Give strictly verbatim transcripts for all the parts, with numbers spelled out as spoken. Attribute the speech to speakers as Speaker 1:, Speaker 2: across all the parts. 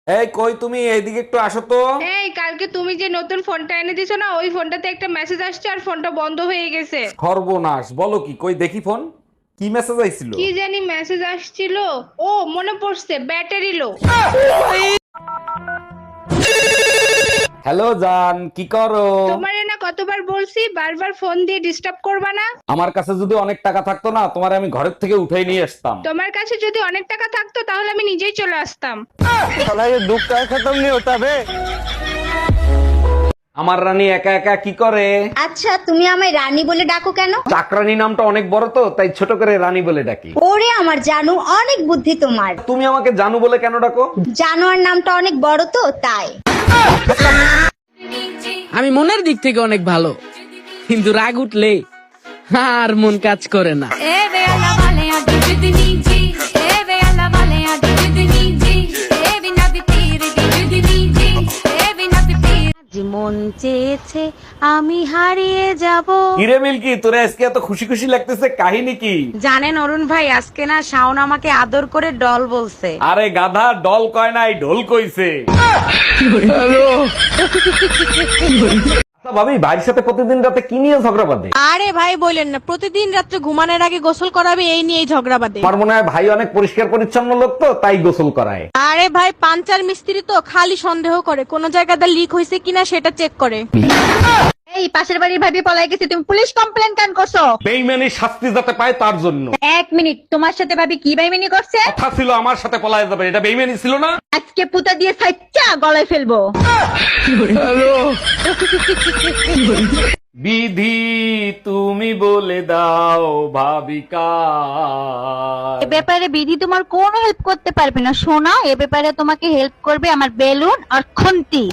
Speaker 1: এই কই তুমি, এইদিকে একটু আসো তো।
Speaker 2: এই কালকে তুমি যে নতুন ফোনটা এনে দিছো না, ওই ফোনটাতে একটা মেসেজ আসছে আর ফোনটা বন্ধ হয়ে গেছে।
Speaker 1: সর্বনাশ, বলো কি? কই দেখি ফোন। কি মেসেজ আইছিল?
Speaker 2: কি জানি মেসেজ আসছিল। ও মনে পড়ছে, ব্যাটারি লো।
Speaker 1: হ্যালো জান, কি করো?
Speaker 2: তোমারে না কতবার বলছি বারবার ফোন দিয়ে ডিস্টার্ব করবা না।
Speaker 1: আমার কাছে যদি অনেক টাকা থাকতো না, তোমার আমি ঘরের থেকে উঠাই নিয়ে আসতাম।
Speaker 2: তোমার কাছে যদি অনেক টাকা থাকতো তাহলে আমি নিজেই চলে আসতাম।
Speaker 1: আমার রানী একা একা কি করে?
Speaker 3: আচ্ছা, তুমি আমায় রানী বলে ডাকো কেন?
Speaker 1: চাকরানী নামটা অনেক বড় তো, তাই ছোট করে রানী বলে ডাকি।
Speaker 3: ওরে আমার জানু, অনেক বুদ্ধি তোমার।
Speaker 1: তুমি আমাকে জানু বলে কেন ডাকো?
Speaker 3: জানোয়ার নামটা অনেক বড় তো, তাই।
Speaker 4: আমি মনের দিক থেকে অনেক ভালো, কিন্তু রাগ উঠলে আর মন কাজ করে না।
Speaker 5: মন চেয়েছে আমি হারিয়ে যাব।
Speaker 1: হিরে মিল্কি, তোরা আজকে এত খুশি খুশি লাগতেছে, কাহিনী কি?
Speaker 5: জানেন অরুণ ভাই, আজকে না শাওন আমাকে আদর করে ডল বলছে।
Speaker 1: আরে গাধা, ডল কয় নাই, ঢোল কইছে। আচ্ছা ভাবি, ভাইয়ের সাথে প্রতিদিন রাতে কি নিয়ে ঝগড়া বাঁধে?
Speaker 5: আরে ভাই বললেন না, প্রতিদিন রাত্রে ঘুমানোর আগে গোসল করাবে, এই নিয়েই ঝগড়া বাঁধে।
Speaker 1: আমার মনে হয় ভাই অনেক পরিষ্কার পরিচ্ছন্ন লোক তো, তাই গোসল করায়।
Speaker 5: আরে ভাই পাঞ্চার মিস্ত্রি তো, খালি সন্দেহ করে কোন জায়গাটা লিক হয়েছে কিনা সেটা চেক করে।
Speaker 3: এই পাশের বাড়ির ভাবি পলাই গেছে, তুমি পুলিশ কমপ্লেন কেন করছো?
Speaker 1: বেইমানি শাস্তি যাতে পায় তার জন্য।
Speaker 3: এক মিনিট, তোমার সাথে ভাবি কি বেইমানি করছে?
Speaker 1: কথা ছিল আমার সাথে পলায় যাবে, এটা বেইমানি ছিল না?
Speaker 3: আজকে পুতা দিয়ে সাইচ্চা গলায় ফেলবো।
Speaker 1: বিধি তুমি বলে দাও ভাবিকা।
Speaker 3: এ ব্যাপারে বিধি তোমার কোনো হেল্প করতে পারবে না সোনা, এ ব্যাপারে তোমাকে হেল্প করবে আমার বেলুন আর খুন্তি।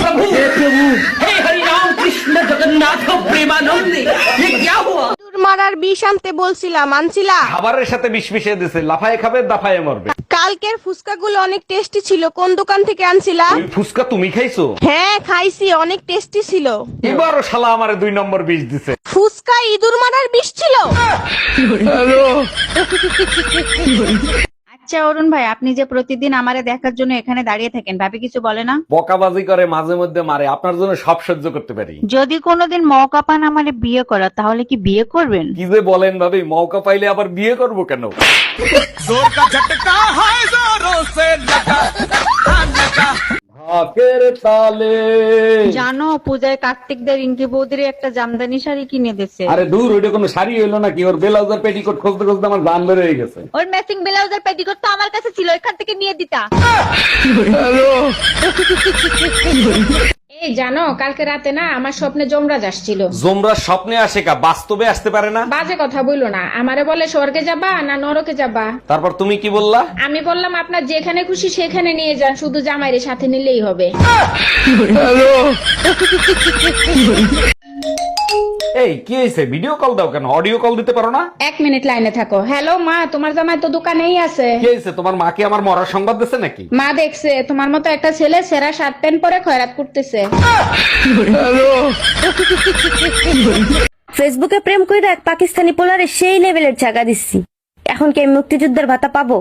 Speaker 5: মারার বিষ আনতে বলছিলাম, আনছিলা?
Speaker 1: খাবারের সাথে বিষ মিশিয়ে দিছে, লাফায় খাবে দাফায় মরবে।
Speaker 5: কালকের ফুচকাগুলো অনেক টেস্টি ছিল, কোন দোকান থেকে আনছিলা?
Speaker 1: ওই ফুসকা তুমি খাইছো?
Speaker 5: হ্যাঁ খাইছি, অনেক টেস্টি ছিল।
Speaker 1: এবারও শালা আমারে দুই নম্বর বিষ দিছে।
Speaker 5: ফুচকা ইঁদুর মারার বিষ ছিল।
Speaker 3: আচ্ছা অরুণ ভাই, আপনি যে প্রতিদিন আমারে দেখার জন্য এখানে দাঁড়িয়ে থাকেন, ভাবি কিছু বলে না?
Speaker 1: বকাবাজি করে, মাঝে মধ্যে মারে, আপনার জন্য সব সহ্য করতে পারি।
Speaker 3: যদি কোনোদিন মৌকা পান আমারে বিয়ে করা, তাহলে কি বিয়ে করবেন?
Speaker 1: কি যে বলেন ভাবি, মৌকা পাইলে আবার বিয়ে করব কেন? ঢাকের তালে।
Speaker 3: জানো পূজায় কার্তিক দা রিঙ্কি বৌদির একটা জামদানি শাড়ি কিনে দিছে।
Speaker 1: আরে দূর, ওইটা কোনো শাড়ি হইলো নাকি? ওর ব্লাউজার পেটিকোট খুঁজতে খুঁজতে আমার জান বের হয়ে গেছে।
Speaker 3: ওর ম্যাচিং ব্লাউজ আর পেটিকোট তো আমার কাছে ছিল, এখান থেকে নিয়ে দিতা।
Speaker 2: এই জানো, কালকে রাতে না আমার স্বপ্নে যমরাজ আসছিল।
Speaker 1: জোমরা স্বপ্নে আসে কা, বাস্তবে আসতে পারে না?
Speaker 2: বাজে কথা বইলো না, আমারে বলে স্বর্গে যাবা না নরকে যাবা।
Speaker 1: তারপর তুমি কি বললা?
Speaker 2: আমি বললাম আপনার যেখানে খুশি সেখানে নিয়ে যান, শুধু জামাইরে সাথে নিলেই হবে।
Speaker 1: এই কি হয়েছে? ভিডিও কল দাও কেন, অডিও কল দিতে পারো না?
Speaker 2: এক মিনিট লাইনে থাকো। হ্যালো মা, তোমার জামাই তো দোকানেই আছে।
Speaker 1: কি হয়েছে? তোমার মা কি আমার মরার সংবাদ দিচ্ছে নাকি?
Speaker 2: মা দেখছে তোমার মতো একটা ছেলে সেরা শার্ট প্যান্ট পরে খয়রাত করতেছে।
Speaker 6: ফেসবুকে প্রেম কইরা এক পাকিস্তানি পোলারে সেই লেভেলের চাকা দিচ্ছি, এখন কি আমি মুক্তিযুদ্ধের ভাতা পাবো?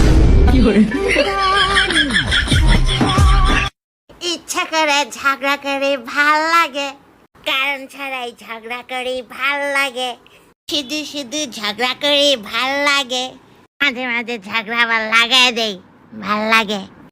Speaker 7: ইচ্ছা করে ঝগড়া করে ভাল লাগে, কারণ ছাড়াই ঝগড়া করে ভাল লাগে, শুধু শুধু ঝগড়া করে ভাল লাগে, মাঝে মাঝে ঝগড়া আবার লাগাই দেই, ভাল লাগে।